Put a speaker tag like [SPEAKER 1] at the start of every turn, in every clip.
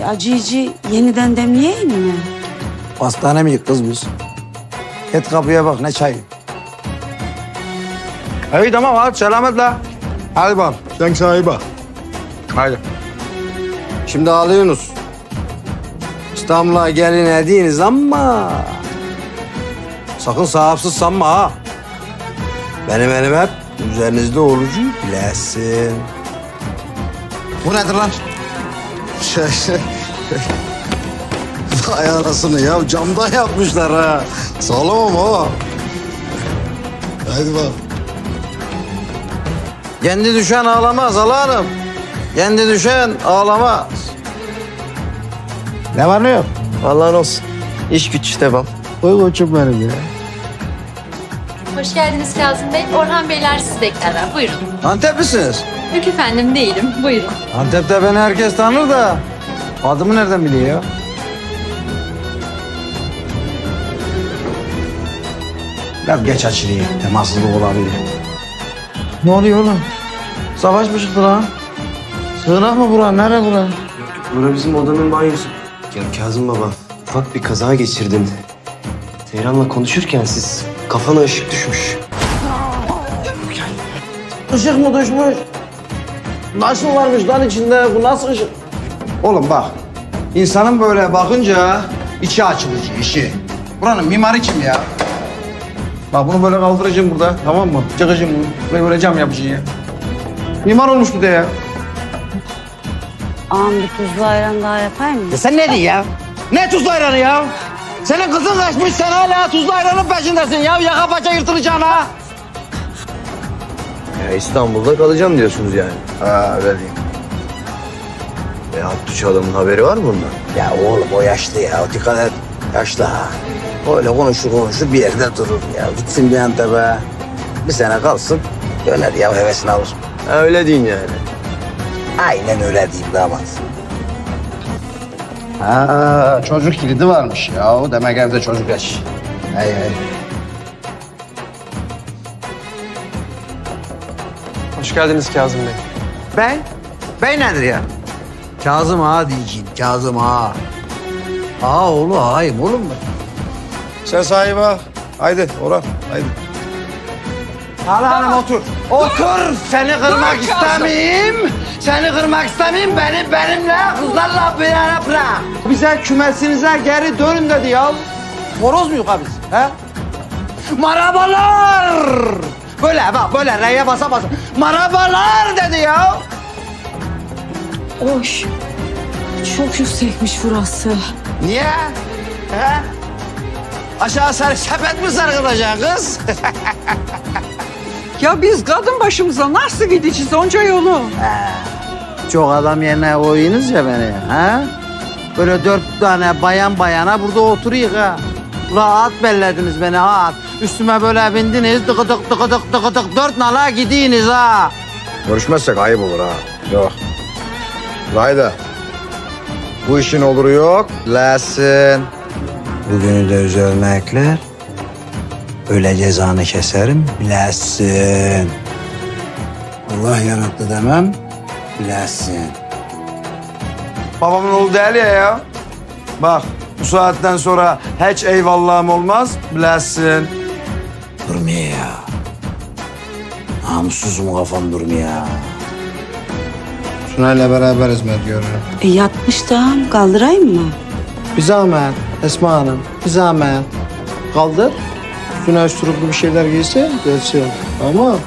[SPEAKER 1] acıyıcı yeniden demleyeyim mi?
[SPEAKER 2] Hastane miyiz kız biz? Git kapıya bak ne çayı. İyi tamam hadi selametle. Hadi bak sen sahibi bak. Hadi. Şimdi ağlıyorsunuz. İstanbul'a gelin ediniz ama... Sakın sahipsiz sanma ha. Benim elim hep üzerinizde olucu bilesin. Bu nedir lan? Vay anasını ya camdan yapmışlar ha. Sağlam ama. Haydi bak. Kendi düşen ağlamaz Hala Hanım. Kendi düşen ağlamaz. Ne var ne yok?
[SPEAKER 3] Vallahi olsun. İş güç devam.
[SPEAKER 2] Koy koçum benim ya.
[SPEAKER 4] Hoş geldiniz Kazım Bey. Orhan Beyler sizi beklerler. Buyurun.
[SPEAKER 2] Anteplisiniz.
[SPEAKER 4] Yok efendim değilim. Buyurun.
[SPEAKER 2] Antep'te beni herkes tanır da adımı nereden biliyor ya? Biraz geç açılıyor. Temassızlık olabilir. Ne oluyor oğlum? Savaş mı çıktı lan? Sığınak mı bura? Nere bura?
[SPEAKER 3] Bura bizim odanın banyosu. Ya Kazım baba, ufak bir kaza geçirdin. Seyran'la konuşurken kafana ışık düşmüş.
[SPEAKER 2] Işık mı düşmüş? Nasıl varmış lan içinde? Bu nasıl ışık? Oğlum bak. İnsanın böyle bakınca içi açılıcı işi. Buranın mimarı kim ya? Bak bunu böyle kaldıracağım burada, tamam mı? Çıkacağım bunu. Böyle cam yapacağım ya. Mimar olmuş bir de ya.
[SPEAKER 1] Ağam bir tuzlu ayran daha yapayım mı?
[SPEAKER 2] Ya sen ne diyorsun ya? Ne tuzlu ayranı ya? Senin kızın kaçmış, sen hala tuzlu ayranın peşindesin ya. Yaka paça yırtılacaksın ha.
[SPEAKER 3] Ya İstanbul'da kalacağım diyorsunuz yani.
[SPEAKER 2] Ha öyle diyeyim.
[SPEAKER 3] Abdüç adamın haberi var mı bundan?
[SPEAKER 2] Ya oğlum o yaşlı ya, o dikkat et. Yaşlı ha. Öyle konuşur bir yerde durur ya. Gitsin bir Antep'e. Bir sene kalsın, döner ya hevesini alır.
[SPEAKER 3] Ha, öyle deyin yani.
[SPEAKER 2] Aynen öyle diyeyim damat. Ha, çocuk kilidi varmış ya. O demek evde çocuk yaş. Hey hey.
[SPEAKER 3] Hoş geldiniz Kazım Bey.
[SPEAKER 2] Bey? Bey nedir ya? Kazım ağa diyeceğim, Kazım ağa. Ağa oğlu ağayım oğlum ben. Sen sahibi ağa. Haydi Orhan, haydi. Hala hanım otur. Otur, seni kırmak istemeyeyim. Seni kırmak istemeyeyim, benimle kızlarla bir yana bırak. Bize kümesinize geri dönün dedi ya. Horoz muyuz ha biz? He? Marabalar! Böyle bak, böyle reye basa basa. Marabalar dedi ya.
[SPEAKER 1] Oy, çok yüksekmiş burası.
[SPEAKER 2] Niye? He? Aşağı sepet mi sarkıtacaksın kız?
[SPEAKER 5] Ya biz kadın başımıza nasıl gideceğiz onca yolu?
[SPEAKER 2] Çok adam yerine koyuyorsunuz ya beni. Ha? Böyle 4 tane bayana burada oturuyor ha. Rahat bellediniz beni ha. Üstüme böyle bindiniz tıkıdık 4 nala gidiyorsunuz ha.
[SPEAKER 6] Görüşmezsek ayıp olur ha. Yok. Haydi. Bu işin oluru yok. Lesin.
[SPEAKER 2] Bugünü de üzerine ekler. Öyle cezanı keserim bilesin. Allah yarattı demem bilesin. Babamın oğlu değil ya. Bak bu saatten sonra hiç eyvallahım olmaz bilesin. Durmuyor ya. Namussuzum kafam durmuyor. Sunay'la beraber hizmet görüyorum.
[SPEAKER 1] Yatmış da ağam, kaldırayım mı?
[SPEAKER 2] Bir zahmet Esma Hanım, bir zahmet. Kaldır. Üstüne üstürüplü bir şeyler giyse gelsin. Ama...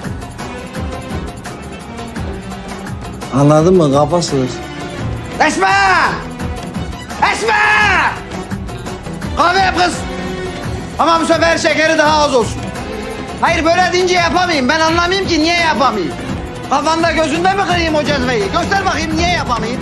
[SPEAKER 2] Anladın mı? Kafasız. Esma! Esma! Kahve yap kız. Ama bu sefer şekeri daha az olsun. Hayır böyle deyince yapamayayım. Ben anlamayayım ki niye yapamayayım. Kafanda gözünde mi kırayım o cezveyi? Göster bakayım niye yapamayayım.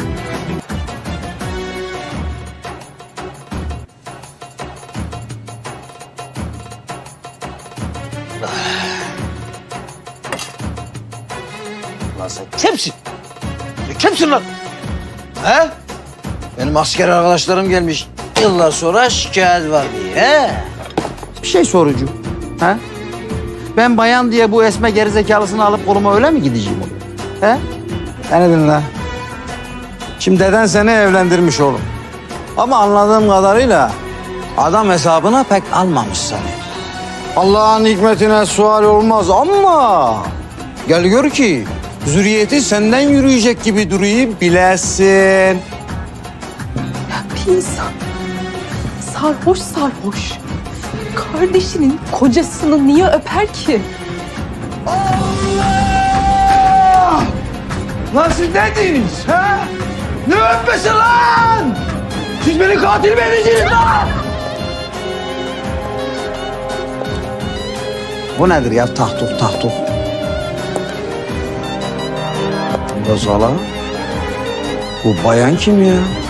[SPEAKER 2] Lan sen kimsin? Sen kimsin lan? He? Benim asker arkadaşlarım gelmiş. Yıllar sonra şikayet var diye. He? Bir şey sorucu. He? Ben bayan diye bu esme gerizekalısını alıp koluma öyle mi gideceğim onu? He? Beni dinle. Şimdi deden seni evlendirmiş oğlum. Ama anladığım kadarıyla adam hesabına pek almamış seni. Allah'ın hikmetine sual olmaz ama gel gör ki zürriyeti senden yürüyecek gibi duruyor bilesin.
[SPEAKER 7] Bir insan sarhoş sarhoş kardeşinin kocasını niye öper ki?
[SPEAKER 2] Lan siz ne diyorsunuz ha? Ne öpmesi lan? Siz beni katil mi edeceksiniz lan? Bu nedir ya? Tahtuk tahtuk. Rozala. Bu bayan kim ya?